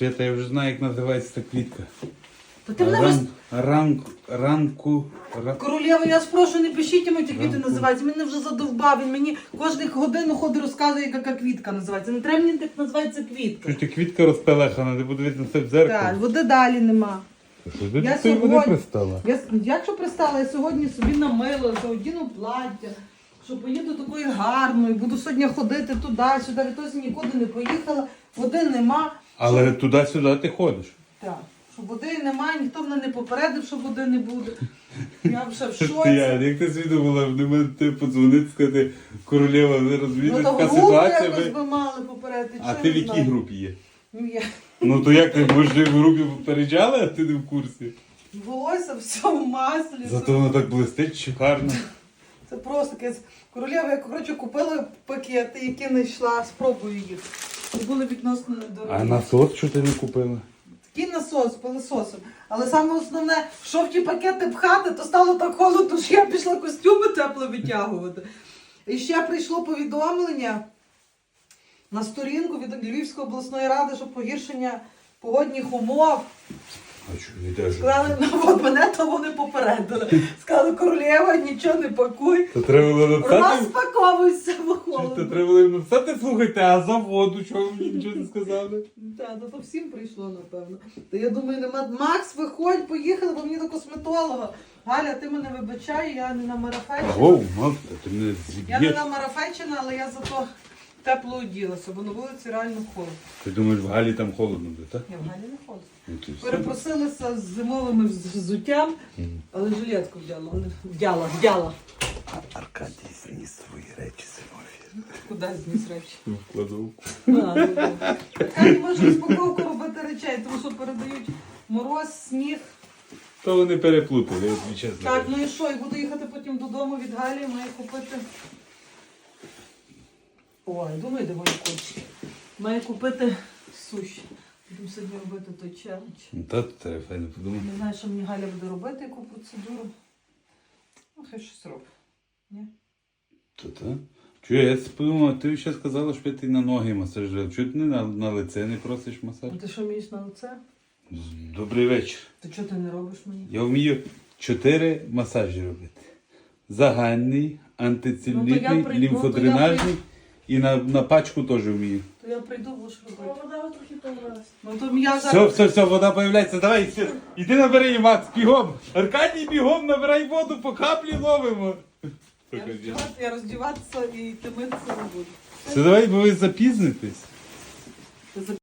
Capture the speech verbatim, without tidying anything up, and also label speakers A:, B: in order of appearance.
A: Свята, я вже знаю, як називається та квітка.
B: Та ти мене вис...
A: Ран... Ранку... Ранку... Ра...
B: Королева, я спрошу, не пишіть йому, які квіти
A: Ранку.
B: називаються. Мене вже задовбав. Він мені кожну годину ходить, розказує, яка квітка називається. Не треба мені так називається квітка.
A: Що ж ти квітка розпелехана, ти подивись на це в
B: Так,
A: дзеркало.
B: води далі нема.
A: Що ти
B: Я
A: до цієї води
B: сьогодні-
A: пристала?
B: Я, як що пристала, я сьогодні собі намила, одіну плаття, що поїду такою гарною, буду сьогодні ходити туди-сюди, відтоді нікуди не поїхала, води нема.
A: Але туди-сюди ти ходиш.
B: Так, що води немає, ніхто мене не попередив, що води не буде. Я вже в
A: Ти,
B: шоці.
A: Ян, як ти свідомила, в мене ти подзвонити, сказати, королева, ви розумієте,
B: Ну, то
A: така
B: групу
A: ситуація.
B: якось
A: ви-
B: би мали попередити.
A: А
B: чи
A: ти
B: не
A: в якій
B: знаю.
A: групі є?
B: Ну, я
A: Ну то як ти, може, в групі попереджали, а ти не в курсі?
B: волосся все в маслі.
A: Зато воно так блистить, шикарно.
B: Це просто таке. Королева, я коротше купила пакети, які не йшла, спробую їх. І були відносно недорогі.
A: А насос що ти не купила?
B: Такий насос, пилососом. Але саме основне, що в ті пакети пхати, то стало так холодно, що я пішла костюми тепло витягувати. І ще прийшло повідомлення на сторінку від Львівської обласної ради, що погіршення погодних умов.
A: А що, не теж?
B: Сказали, ну от мене то вони попередили. Сказали, королева, нічого не пакуй.
A: То треба було написати?
B: Розпаковуйся в
A: То
B: холодно.
A: треба було їм написати, слухайте, а за воду, чого ви мені нічого не сказали?
B: Так, то всім прийшло, напевно. То я думаю, нема. Макс, виходь, поїхали, бо мені до косметолога. Галя, ти мене вибачай, я не на марафетчина.
A: Воу, мав, ти мене
B: Я не
A: зіб'єш.
B: на марафетчина, але я зато тепло оділася, бо на вулиці реально холодно.
A: Ти думаєш, в Галі там холодно буде, так?
B: Я в Галі не холодно.
A: Ну, ти все.
B: Перепросилася з зимовими вз- взуттям,
A: Мгм.
B: але жилетку вдяла. але- Вдяла, вдяла.
A: Аркадій зніс свої речі зимові.
B: Куди зніс речі?
A: В кладовку.
B: А, ну, добре. Я не можу розпаковку робити речей, тому що передають мороз, сніг.
A: То вони переплутали, я тобі чесно.
B: Так,
A: кажу.
B: ну і що? І буду їхати потім додому від Галі, маю купити. Ой, думаю, де мої кочки. Маю купити суші. Будемо сьогодні робити той челендж.
A: Ну, та то треба файно подумати.
B: Не знаю, що мені Галя буде робити, яку процедуру. Ну, хай щось робить. Ні?
A: То та? Чую, я подумав, ти ще сказала, що ти на ноги масажував. Чого ти не на, на лице не просиш масаж?
B: А ти що вмієш на лице?
A: Добрий вечір.
B: Ти чого ти не робиш мені?
A: Я вмію чотири масажі робити. Загальний,
B: Ну, то
A: антицелюлітний,
B: я прийду, то я
A: лімфодренажний
B: прийду.
A: і на, на пачку теж вмію.
B: То я прийду, будеш робити.
C: Вода трохи помилась.
B: Ну то я
A: Все,
B: зараз...
A: все, все, вода появляється. Давай, все. Іди набери її, Макс, бігом. Аркадій, бігом, набирай воду, по каплі ловимо.
B: Я роздіватися, я роздіватися і ти митися не буду.
A: Все, давай, бо ви запізнитесь.
B: Ти